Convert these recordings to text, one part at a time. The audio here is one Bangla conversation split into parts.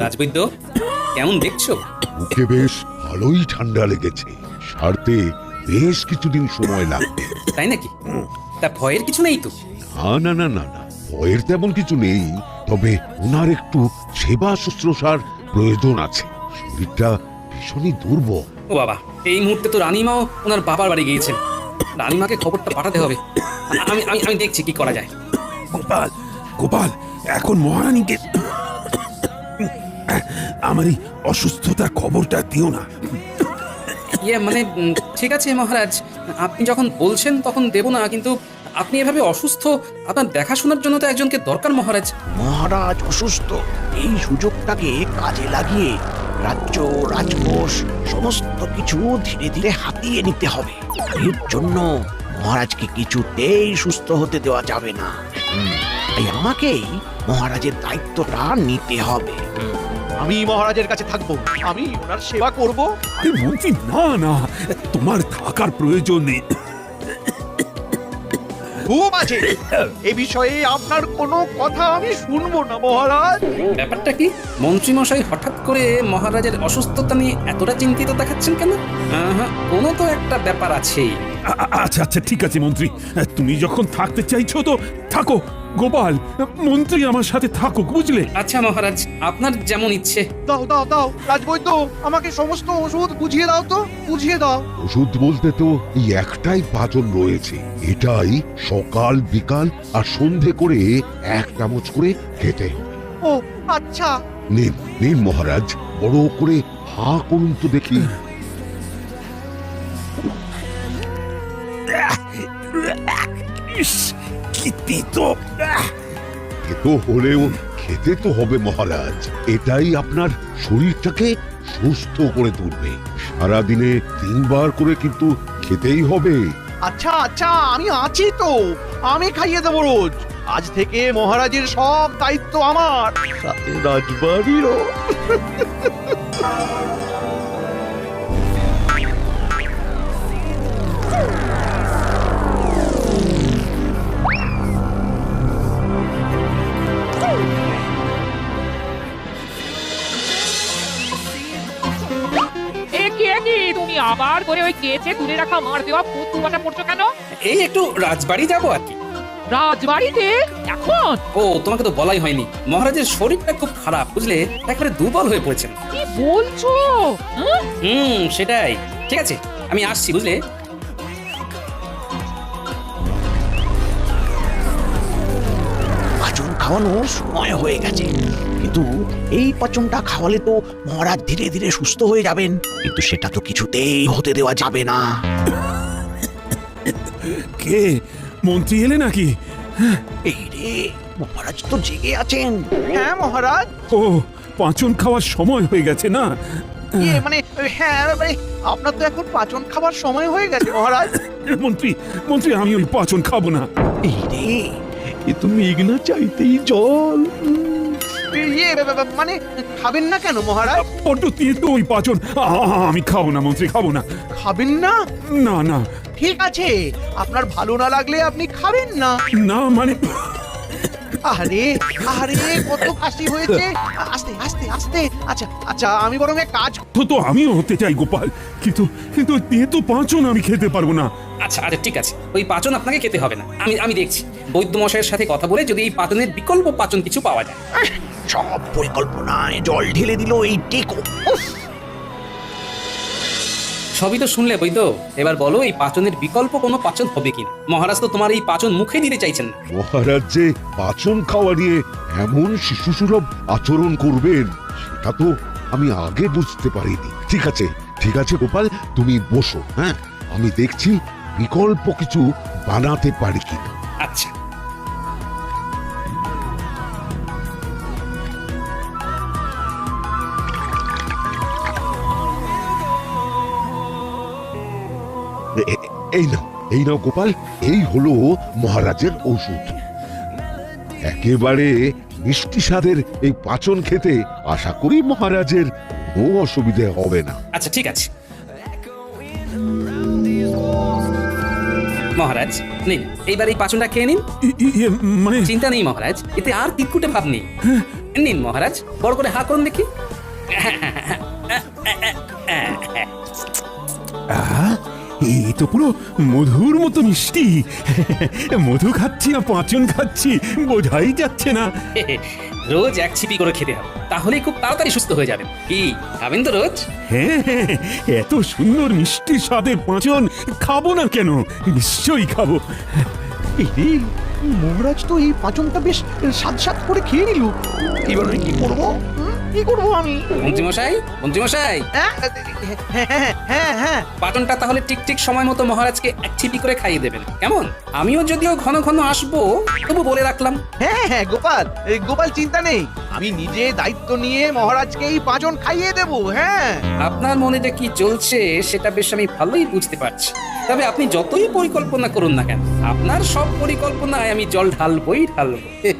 রাজবৈদ্য, কেমন দেখছো? মুখে বেশ ভালোই ঠান্ডা লেগেছে, সারতে বেশ কিছুদিন সময় লাগবে। তাই নাকি? তা ভয়ের কিছু নেই তো? না না না না না, ভয়ের তেমন কিছু নেই, তবে ওনার একটু সেবা শুশ্রূষার প্রয়োজন আছে। শরীরটা ভীষণই দুর্বল। ও বাবা, এই মুহূর্তে তো রানীমাও ওনার বাবার বাড়ি গিয়েছেন। রানীমাকে খবরটা পাঠাতে হবে। আমি আমি আমি দেখছি কি করা যায়। গোপাল, গোপাল, এখন মহারানীকে আমার এই অসুস্থতার খবরটা দিও না। মানে ঠিক আছে মহারাজ, আপনি যখন বলছেন তখন দেব না, কিন্তু আপনি এভাবে অসুস্থ, আপনার দেখাশোনার জন্য তো একজনকে দরকার মহারাজ। মহারাজ অসুস্থ, এই সুযোগটাকে কাজে লাগিয়ে রাজ্য রাজকোষ সমস্ত কিছু ধীরে ধীরে হাতিয়ে নিতে হবে। এর জন্য মহারাজকে কিছুতেই সুস্থ হতে দেওয়া যাবে না। তাই আমাকেই মহারাজের দায়িত্বটা নিতে হবে। আমি মহারাজের কাছে থাকবো, আমি ওনার সেবা করব। আরে মন্ত্রী, না না, তোমার থাকার প্রয়োজন নেই। খুব আছে, এ বিষয়ে আপনার কোনো কথা আমি শুনবো না মহারাজ। ব্যাপারটা কি? মন্ত্রীমশাই হঠাৎ করে মহারাজের অসুস্থতা নিয়ে এতটা চিন্তিত দেখাচ্ছেন কেন? কোনো তো একটা ব্যাপার আছেই। আচ্ছা আচ্ছা, ঠিক আছে মন্ত্রী, তুমি যখন থাকতে চাইছো তো থাকো। গোপাল, মন্ত্রী আমার সাথে থাকুক, বুঝলে? আচ্ছা মহারাজ, আপনার যেমন ইচ্ছে। দাও দাও দাও রাজবৈদ্য, আমাকে সমস্ত ওষুধ বুঝিয়ে দাও তো, বুঝিয়ে দাও। ওষুধ বলতে তো এই একটাই পাচন রয়েছে, এটাই সকাল বিকাল আর সন্ধে করে 1 চামচ করে খেতে হবে। ও আচ্ছা। নিন নিন মহারাজ, বড় করে হা করুন তো দেখি। ইস, কি তিতো! খেতে হলেও খেতে তো হবে মহারাজ, এটাই আপনার শরীরটাকে সুস্থ করে তুলবে। সারাদিনে 3 বার করে কিন্তু খেতেই হবে। আচ্ছা আচ্ছা, আমি আছি তো, আমি খাইয়ে দেবো রোজ। আজ থেকে মহারাজের সব দায়িত্ব আমার, সাথে রাজবাড়িরও। তুমি আবার করে ওই কেচে তুলে রাখা মার দেওয়া পুতুল বাটা পড়ছো কেন? এই একটু রাজবাড়ি যাবো আর কি। রাজবাড়িতে এখন? ও, তোমাকে তো বলাই হয়নি, মহারাজের শরীরটা খুব খারাপ, বুঝলে, একেবারে দুর্বল হয়ে পড়েছেন। কি বলছো? সেটাই। ঠিক আছে, আমি আসছি, বুঝলে। পাচন খাওয়ানোর সময় হয়ে গেছে, কিন্তু এই পাচনটা খাওয়ালে তো মহারাজ ধীরে ধীরে সুস্থ হয়ে যাবেন, কিন্তু সেটা তো কিছুতেই হতে দেওয়া যাবে না। কে, মন্ত্রী এলে নাকি? এই রে, মহারাজ তো জেগে আছেন। হ্যাঁ মহারাজ। ও, পাচন খাওয়ার সময় হয়ে গেছে না? মানে হ্যাঁ, মানে আপনার তো এখন পাচন খাবার সময় হয়ে গেছে মহারাজ। মন্ত্রী, মন্ত্রী, আমি ওই পাচন খাবো না। এই রে, এ তো মেঘনা চাইতেই জল। মানে খাবেন না কেন মহারাজ? বড্ড তেতো ওই পাচন, আমি খাবো না মন্ত্রী, খাবো না। খাবেন না? না না ঠিক আছে, আপনার ভালো না লাগলে আপনি খাবেন না। না, মানে আরে আরে, কত কাশি হয়েছে। আস্তে আস্তে আস্তে। আচ্ছা আচ্ছা, আমি বরং এক কাজ। তো আমিও হতে চাই গোপাল, কিন্তু কিন্তু ওই তেতো পাচন আমি খেতে পারবো না। আচ্ছা আচ্ছা, ঠিক আছে, ওই পাচন আপনাকে খেতে হবে না। আমি দেখছি বৈদ্য মশাইয়ের সাথে কথা বলে যদি এই পাচনের বিকল্প পাচন কিছু পাওয়া যায়। সব পরিকল্পনায় জল ঢেলে দিল এই টেকো। সবই তো শুনলে বৈদ্য, এবার বলো এই পাচনের বিকল্প কোনো পাচন হবে কিনা। মহারাজ তো তোমার এই পাচন মুখে দিতে চাইছেন না। মহারাজ যে পাচন খাওয়া নিয়ে এমন শিশুসুলভ আচরণ করবেন, সেটা তো আমি আগে বুঝতে পারিনি। ঠিক আছে গোপাল, তুমি বসো। হ্যাঁ, আমি দেখছি বিকল্প কিছু বানাতে পারি কিনা। আচ্ছা। এই নাও গোপাল, এই হলো মহারাজের ওষুধ। একেবারে মিষ্টি স্বাদের এই পাচন খেতে আশা করি মহারাজের কোনো অসুবিধে হবে না। আচ্ছা ঠিক আছে মহারাজ, নিন এইবার এই পাচনটা খেয়ে নিন। মানে চিন্তা নেই মহারাজ, এতে আর তিতকুটে ভাব নেই। নিন মহারাজ, বড় করে হা করুন দেখি। আহা, এই তো পুরো মধুর মতো মিষ্টি। মধু খাচ্ছি না পাঁচন খাচ্ছি বোঝাই যাচ্ছে না। রোজ এক ছিপি করে খেতে হবে, তাহলেই খুব তাড়াতাড়ি সুস্থ হয়ে যাবেন। কি খাবেন তো রোজ? হ্যাঁ হ্যাঁ, এত সুন্দর মিষ্টি স্বাদের পাঁচন খাবো না কেন, নিশ্চয়ই খাবো। এই রে, মহারাজ তো এই পাচনটা বেশ স্বাদ স্বাদ করে খেয়ে নিল। এবার আমি কি করবো? কি করবো আমি? মন্ত্রীমশাই, মন্ত্রীমশাই, হ্যাঁ হ্যাঁ হ্যাঁ হ্যাঁ, পাটনটা তাহলে ঠিক ঠিক সময় মতো মহারাজকে এক ছিপি করে খাইয়ে দেবেন, কেমন? আমিও যদিও ঘন ঘন আসবো, তবু বলে রাখলাম। হ্যাঁ হ্যাঁ গোপাল, গোপাল চিন্তা নেই, আমি নিজে দায়িত্ব নিয়ে মহারাজকে এই পাচন খাইয়ে দেবো। হ্যাঁ, আপনার মনে যে কি চলছে সেটা বেশ আমি ভালোই বুঝতে পারছি। তবে আপনি যতই পরিকল্পনা করুন না কেন, আপনার সব পরিকল্পনায় আমি জল ঢালবই ঢালবো।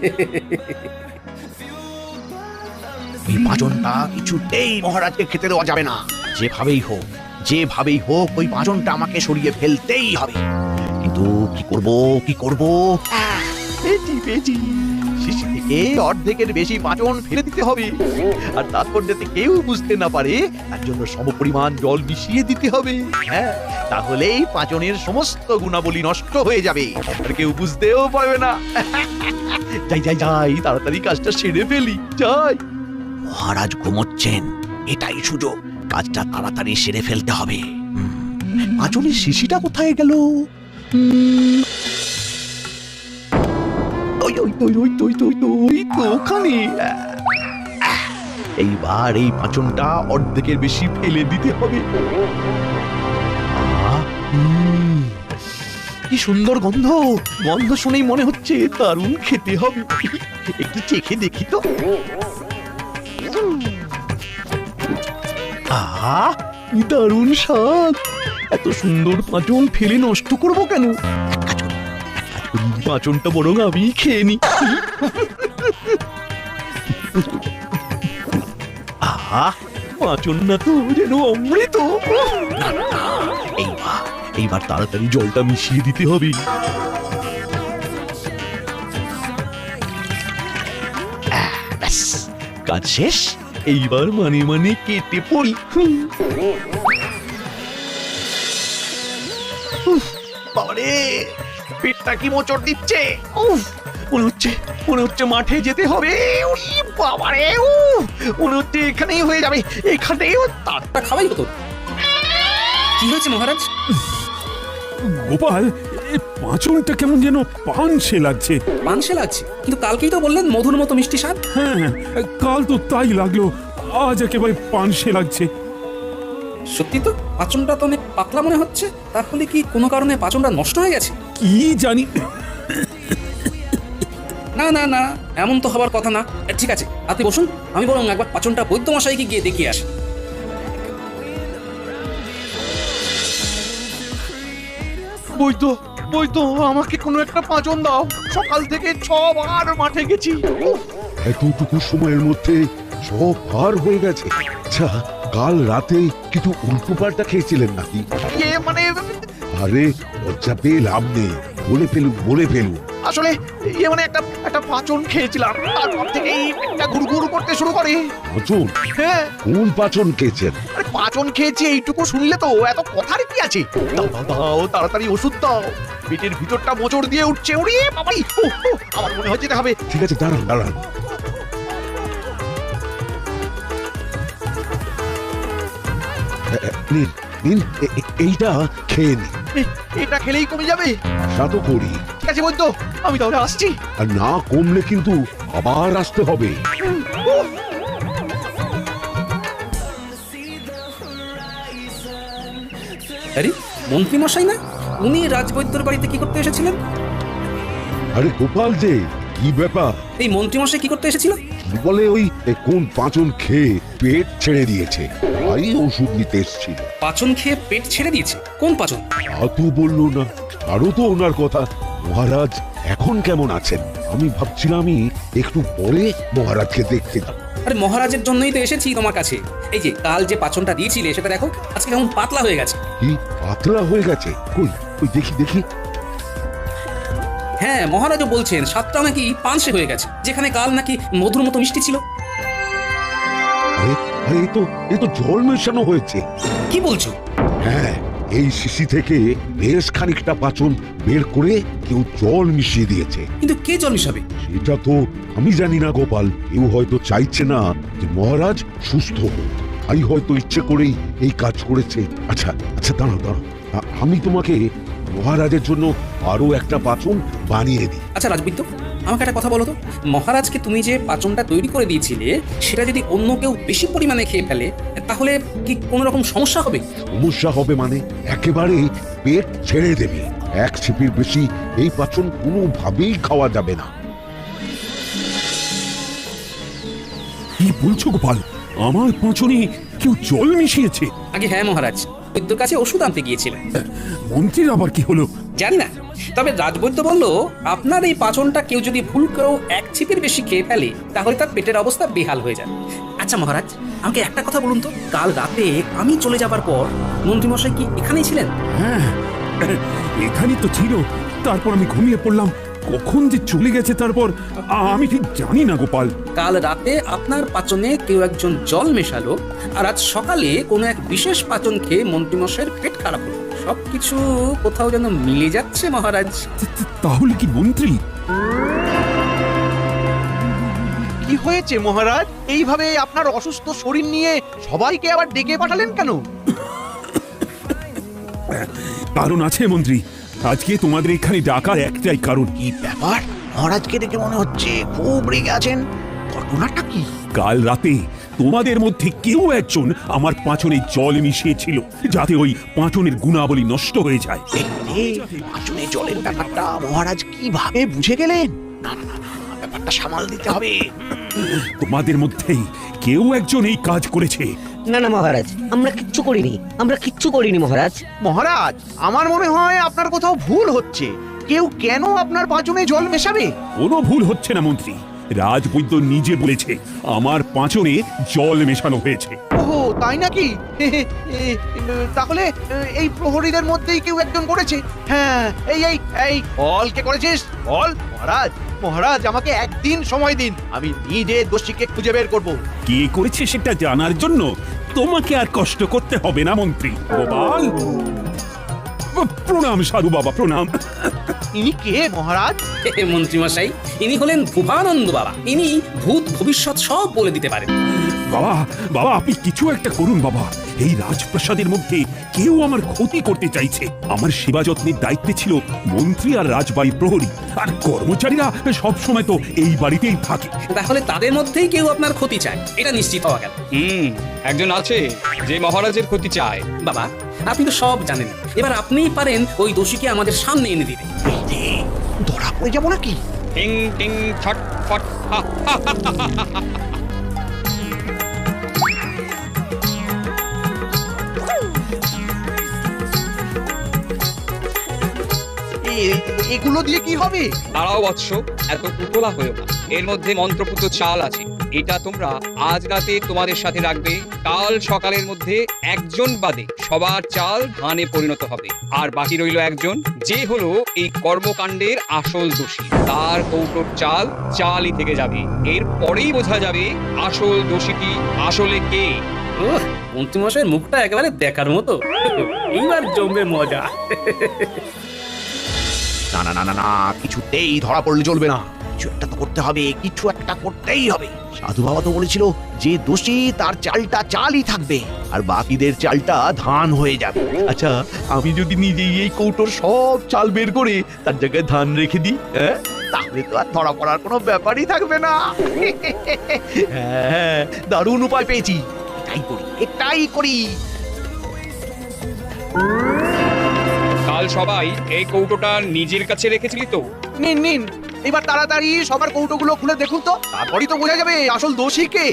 এই পাচনটা কিছুতেই মহারাজকে খেতে দেওয়া যাবে না। যেভাবেই হোক ওই পাচনটা আমাকে সরিয়ে ফেলতেই হবে। কিন্তু কি করব? পেয়েছি, শিশি থেকে অর্ধেকের বেশি পাচন ফেলে দিতে হবে, আর তারপর যাতে কেউ বুঝতে না পারে তার জন্য সমপরিমাণ জল মিশিয়ে দিতে হবে। হ্যাঁ, তাহলেই পাচনের সমস্ত গুণাবলী নষ্ট হয়ে যাবে, আর কেউ বুঝতেও পারবে না। যাই তাড়াতাড়ি কাজটা সেরে ফেলি, যাই। মহারাজ ঘুমোচ্ছেন, এটাই সুযোগ, কাজটা তাড়াতাড়ি সেরে ফেলতে হবে। পাচনের শিশিটা কোথায় গেল? ওখানে। এইবার এই পাচনটা অর্ধেকের বেশি ফেলে দিতে হবে। কি সুন্দর গন্ধ, গন্ধ শুনেই মনে হচ্ছে দারুণ খেতে হবে। একটু চেখে দেখি তো। আহা, কি দারুণ স্বাদ! এত সুন্দর পাচন ফেলে নষ্ট করব কেন? পাচনটা বরং আমি খেয়ে নি। আহা, পাচন না তো যেন অমৃত। এইবার তাড়াতাড়ি জলটা মিশিয়ে দিতে হবে। ব্যাস, কাজ শেষ, এইবার মানে কেটে পড়ি। বাবারে, পেটটা কি মোচড় দিচ্ছে। মনে হচ্ছে মাঠে যেতে হবে। ওরে বাবারে, মনে হচ্ছে এখানেই হয়ে যাবে, এখানেই তা খাওয়াই হতো। কি হয়েছে মহারাজ? গোপাল, এই পাঁচনটা কেমন যেন পানসে লাগছে। পানসে লাগছে? কিন্তু কালকেই তো বললেন মধুর মতো মিষ্টি স্বাদ। হ্যাঁ, কাল তো তাই লাগলো, আজ একেবারে পানসে লাগছে। সত্যি তো, পাচনটা তো অনেক পাতলা মনে হচ্ছে। তাহলে কি কোনো কারণে পাচনটা নষ্ট হয়ে গেছে? কি জানি। না না না, এমন তো হবার কথা না। ঠিক আছে, আপনি বসুন, আমি বরং একবার পাচনটা বৈদ্যমশাইকে গিয়ে দেখিয়ে আসি। বৈদ্য, আমাকে কোনো একটা পাচন দাও। সকাল থেকে 6 বার মাঠে গেছি। এতটুকু সময়ের মধ্যে সব পার হয়ে গেছে। আচ্ছা, কাল রাতে কিছু উল্টো পাল্টা খেয়েছিলেন নাকি? মানে আরে লজ্জা পেয়ে লাভ নেই, বলে ফেলুন। আসলে মানে একটা পাচন খেয়েছিলাম, তারপর থেকেই পেটটা গুড়গুড় করতে শুরু করে। পাচন? হ্যাঁ, কোন পাচন খেয়েছেন? আরে পাচন খেয়েছি এইটুকু শুনলে তো এত কথার কি আছে? দাও তাড়াতাড়ি ওষুধ দাও, পেটের ভিতরটা মোচড় দিয়ে উঠছে। ওরে বাবাই, আমার মনে হচ্ছে যেতে হবে। ঠিক আছে, দাঁড়ান। নিন, এইটা খেয়ে নিন। এটা খেলেই কমে যাবে? আশা তো করি। ঠিক আছে বৈদ্য, আমি তাহলে আসছি। আর না কমলে কিন্তু আবার আসতে হবে। আরে মন্ত্রীমশাই না? উনি রাজবৈদ্যর বাড়িতে কি করতে এসেছিলেন? আরে গোপাল যে, কি ব্যাপার? এই মন্ত্রীমশাই কি করতে এসেছিল? বলে ওই কোন পাচন খেয়ে পেট ছেড়ে দিয়েছে, তাই ওষুধ নিতে এসেছিল। পাচন খেয়ে পেট ছেড়ে দিয়েছে? কোন পাচন? তা তো বললো না। আরো তো ওনার কথা। মহারাজ এখন কেমন আছেন? আমি ভাবছিলামই একটু পরে মহারাজকে দেখতে যাব। আরে মহারাজের জন্যই তো এসেছি তোমার কাছে। এই যে কাল যে পাচনটা দিয়েছিলে সেটা দেখো, আজকে কেমন পাতলা হয়ে গেছে। কি পাতলা হয়ে গেছে? কই দেখি। হ্যাঁ, মহারাজও বলছেন স্বাদটা নাকি পানসে হয়ে গেছে, যেখানে কাল নাকি মধুর মতো মিষ্টি ছিল। আরে আরে এ তো জল মেশানো হয়েছে। কি বলছো? হ্যাঁ, এই শিশি থেকে বেশ খানিকটা পাচন বের করে কেউ জল মিশিয়ে দিয়েছে। কিন্তু কে জল মিশাবে? সেটা তো আমি জানি না গোপাল। কেউ হয়তো চাইছে না যে মহারাজ সুস্থ হোক, তাই হয়তো ইচ্ছে করেই এই কাজ করেছে। আচ্ছা আচ্ছা, দাঁড়াও দাঁড়াও, আমি তোমাকে মহারাজের জন্য আরো একটা পাচন বানিয়ে দিই। আচ্ছা রাজবৈদ্য, আমাকে একটা কথা বলো তো, মহারাজকে তুমি যে পাচনটা তৈরি করে দিয়েছিলে সেটা যদি অন্য কেউ বেশি পরিমাণে খেয়ে ফেলে, তাহলে কি কোনো রকম সমস্যা হবে? সমস্যা হবে মানে একেবারে পেট ছেড়ে দেবে। এক ছিপির বেশি এই পাচন কোনোভাবেই খাওয়া যাবে না। কি বলছো গোপাল? আমার পাঁচনে কেউ জল মিশিয়েছে? আগে হ্যাঁ মহারাজ, বৈদ্যর কাছে ওষুধ আনতে গিয়েছিলেন। মন্ত্রীর আবার কি হলো? জানি না, তবে রাজবৈদ্য বলল আপনার এই পাচনটা কেউ যদি ভুল করেও এক ছিপির বেশি খেয়ে ফেলে তাহলে তার পেটের অবস্থা বেহাল হয়ে যাবে। আচ্ছা মহারাজ, আমাকে একটা কথা বলুন তো, কাল রাতে আমি চলে যাবার পর মন্ত্রীমশাই কি এখানেই ছিলেন? হ্যাঁ, এখানেই তো ছিল। তারপর আমি ঘুমিয়ে পড়লাম। কখন যে চলে গেছে তারপর আমি ঠিক জানি না গোপাল। কাল রাতে আপনার পাচনে কেউ একজন জল মেশালো, আর আজ সকালে কোনো এক বিশেষ পাচন খেয়ে মন্ত্রীমশাইয়ের পেট খারাপ হলো। সবকিছু কোথাও যেন মিলে যাচ্ছে মহারাজ। তাহলে কি মন্ত্রী? কি হয়েছে মহারাজ? এইভাবে আপনার অসুস্থ শরীর নিয়ে সবাইকে আবার ডেকে পাঠালেন কেন? কারণ আছে মন্ত্রী, আজকে তোমাদের এখানে ডাকার একটাই কারণ। কি ব্যাপার? মহারাজকে দেখে মনে হচ্ছে খুব রেগে আছেন। ঘটনাটা কি? কাল রাতে তোমাদের মধ্যে কেউ একজন আমার পাঁচনে জল মিশিয়েছিল, যাতে ওই পাঁচনের গুণাবলী নষ্ট হয়ে যায়। পাঁচনে জলের ব্যাপারটা মহারাজ কিভাবে বুঝে গেলেন? না না না না, ব্যাপারটা সামাল দিতে হবে। তোমাদের মধ্যেই কেউ একজন এই কাজ করেছে। না না মহারাজ, আমরা কিচ্ছু করিনি মহারাজ। মহারাজ, আমার মনে হয় আপনার কোথাও ভুল হচ্ছে। কেউ কেন আপনার পাঁচনে জল মেশাবে? কোনো ভুল হচ্ছে না মন্ত্রী। রাজবৈদ্য নিজে বলেছে আমার পাঁচনে জল মেশানো হয়েছে। ওহো, তাই নাকি? তাহলে এই প্রহরীদের মধ্যেই কেউ একজন করেছে। হ্যাঁ, এই এই এই বল, কে করেছিস? বল মহারাজ। মহারাজ, আমাকে একদিন সময় দিন, আমি নিজে দোষীকে খুঁজে বের করব। কে করেছে সেটা জানার জন্য তোমাকে আর কষ্ট করতে হবে না মন্ত্রী। গোপাল, প্রণাম সাধু বাবা, প্রণাম। ইনি কে মহারাজ? মন্ত্রীমশাই, ইনি হলেন ভুবানন্দ বাবা। ইনি ভূত ভবিষ্যৎ সব বলে দিতে পারেন। বাবা বাবা, আপনি কিছু একটা করুন বাবা। এই রাজপ্রাসাদের মধ্যে কেউ আমার ক্ষতি করতে চাইছে। আমার সেবা যত্নের দায়িত্বে ছিল মন্ত্রী আর রাজবাড়ির প্রহরী, আর কর্মচারীরা সব সময় তো এই বাড়িতেই থাকে। তাহলে তাদের মধ্যেই কেউ আপনার ক্ষতি চায়, এটা নিশ্চিত হওয়া গেল। একজন আছে যে মহারাজের ক্ষতি চায়। বাবা, আপনি তো সব জানেন, এবার আপনিই পারেন ওই দোষীকে আমাদের সামনে এনে দিতে। ধরা পড়ে যাবো নাকি? টিং টিং ছট ফট হা, হা, হা, হা, হা, হা, হা। এগুলো দিয়ে কি হবে? দাঁড়াও বৎস, এত উতলা হয়েও না। এর মধ্যে মন্ত্রপুত চাল আছে, এটা তোমরা আজ রাতে তোমাদের সাথে রাখবে। কাল সকালের মধ্যে একজন বাদে সবার চাল ধানে পরিণত হবে, আর বাকি রইল একজন, যে হলো এই কর্মকাণ্ডের আসল দোষী। তার কৌটোর চাল চালই থেকে যাবে। এর পরেই বোঝা যাবে আসল দোষীটি আসলে কে। মন্ত্রীমশাইয়ের মুখটা একেবারে দেখার মতো। এইবার জমবে মজা। না না না না না, কিছুতেই ধরা পড়লে চলবে না। কিছু একটা তো করতে হবে, কিছু একটা করতেই হবে। সাধু বাবা তো বলেছিল যে দোষী তার চালটা চালই থাকবে, আর বাকিদের চালটা ধান হয়ে যাবে। আচ্ছা, আমি যদি নিজেই এই কৌটোর সব চাল বের করে তার জায়গায় ধান রেখে দিই, তাহলে তো আর ধরা পড়ার কোনো ব্যাপারই থাকবে না। হ্যাঁ, দারুণ উপায় পেয়েছি। এটাই করি। কাল সবাই এই কৌটোটা নিজের কাছে রেখেছিলি তো? নিন নিন, এবার তাড়াতাড়ি সবার কৌটোগুলো খুলে দেখুন তো, তারপরই তো বোঝা যাবে আসল দোষী কে।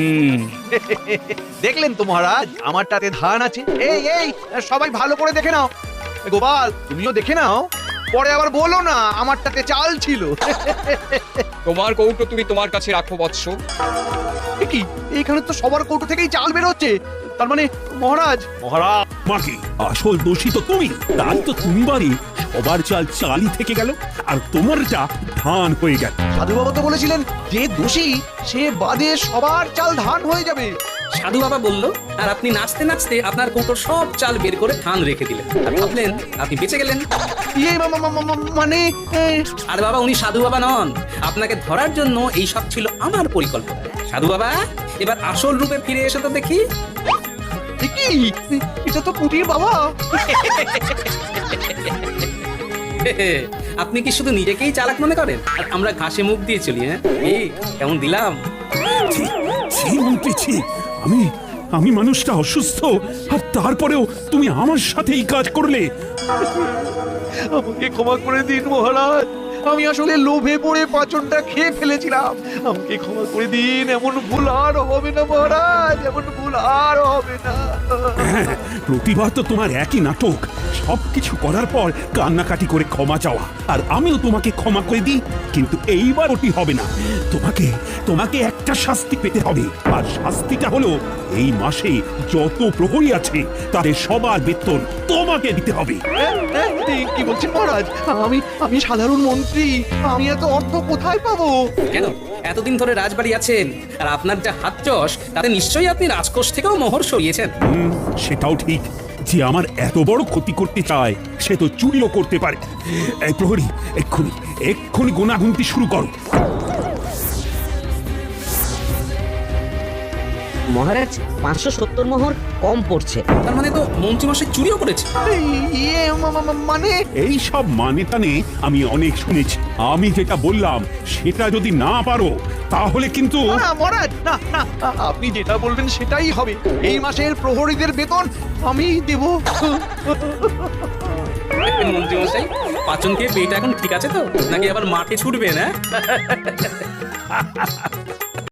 দেখলেন তো মহারাজ, আমারটাতে ধান আছে। এই এই, সবাই ভালো করে দেখে নাও। গোপাল, তুমিও দেখে নাও, পরে আবার বলো না আমারটাতে চাল ছিল। তোমার কৌটো তুমি তোমার কাছে রাখো বৎস। কি, এখানে তো সবার কৌটো থেকেই চাল বের হচ্ছে। তার মানে মহারাজ, মাকে আসল দোষী তো তুমি, তাই তো তুমি বাড়ি সবার চাল চালই থেকে গেল আর তোমারটা ধান হয়ে গেল। সাধু বাবা তো বলেছিলেন যে দোষী সে বাদে সবার চাল ধান হয়ে যাবে। সাধু বাবা বলল, আর আপনি নাচতে নাচতে আপনার কৌটোর সব চাল বের করে ধান রেখে দিলেন আর ভাবলেন আপনি বেঁচে গেলেন। ইয়ে মানে আর বাবা, উনি সাধু বাবা নন, আপনাকে ধরার জন্য এই সব ছিল আমার পরিকল্পনা। সাধু বাবা, এবার আসল রূপে ফিরে এসে তো দেখি। কি এটা তো পুটির বাবা। আপনি কি শুধু নিজেকেই চালাক মনে করেন আর আমরা ঘাসে মুখ দিয়ে চলি? হ্যাঁ, এই কেমন দিলাম? ছি, ছি মন্ত্রী, ছি। আমি আমি মানুষটা অসুস্থ আর তারপরেও তুমি আমার সাথে এই কাজ করলে। আমাকে ক্ষমা করে দিন মহারাজ, আমি আসলে লোভে পড়ে পাচনটা খেয়ে ফেলেছিলাম। আমাকে ক্ষমা করে দিন, এমন ভুল আর হবে না মহারাজ, এমন ভুল আর হবে না। হ্যাঁ, প্রতিবার তো তোমার একই নাটক, সবকিছু করার পর কান্নাকাটি করে ক্ষমা চাওয়া, আর আমিও তোমাকে ক্ষমা করে দিই, কিন্তু এইবার ওটি হবে না। তোমাকে তোমাকে একটা শাস্তি পেতে হবে, আর শাস্তিটা হলো এই মাসে যত প্রহরী আছে তাদের সবার বেতন তোমাকে দিতে হবে। কি বলছেন মহারাজ? আমি সাধারণ মন্ত্রী, আমি এত অর্থ কোথায় পাবো? কেন এতদিন ধরে রাজবাড়ি আছেন আর আপনার যা হাত চস তাতে নিশ্চয়ই আপনি রাজকোষ থেকেও মোহর সরিয়েছেন। সেটাও ঠিক, যে আমার এত বড় ক্ষতি করতে চায় সে তো চুরিও করতে পারে। এই প্রহরী, এক্ষুনি এক্ষুনি গোনাগুনতি শুরু করো। মহারাজ 570 মোহর কম পড়ছে। তার মানে তো মন্ত্রীমশাই চুরিও করেছে। ইয়ে মানে এই সব মানে টানে আমি অনেক শুনেছি, আমি যেটা বললাম সেটা যদি না পারো তাহলে কিন্তু না মহারাজ, না না, আপনি যেটা বলবেন সেটাই হবে। এই মাসের প্রহরীদের বেতন আমি দেব। মন্ত্রীমশাই, পাচন খেয়ে পেট এখন ঠিক আছে তো, নাকি আবার মাঠে ছুটবে না?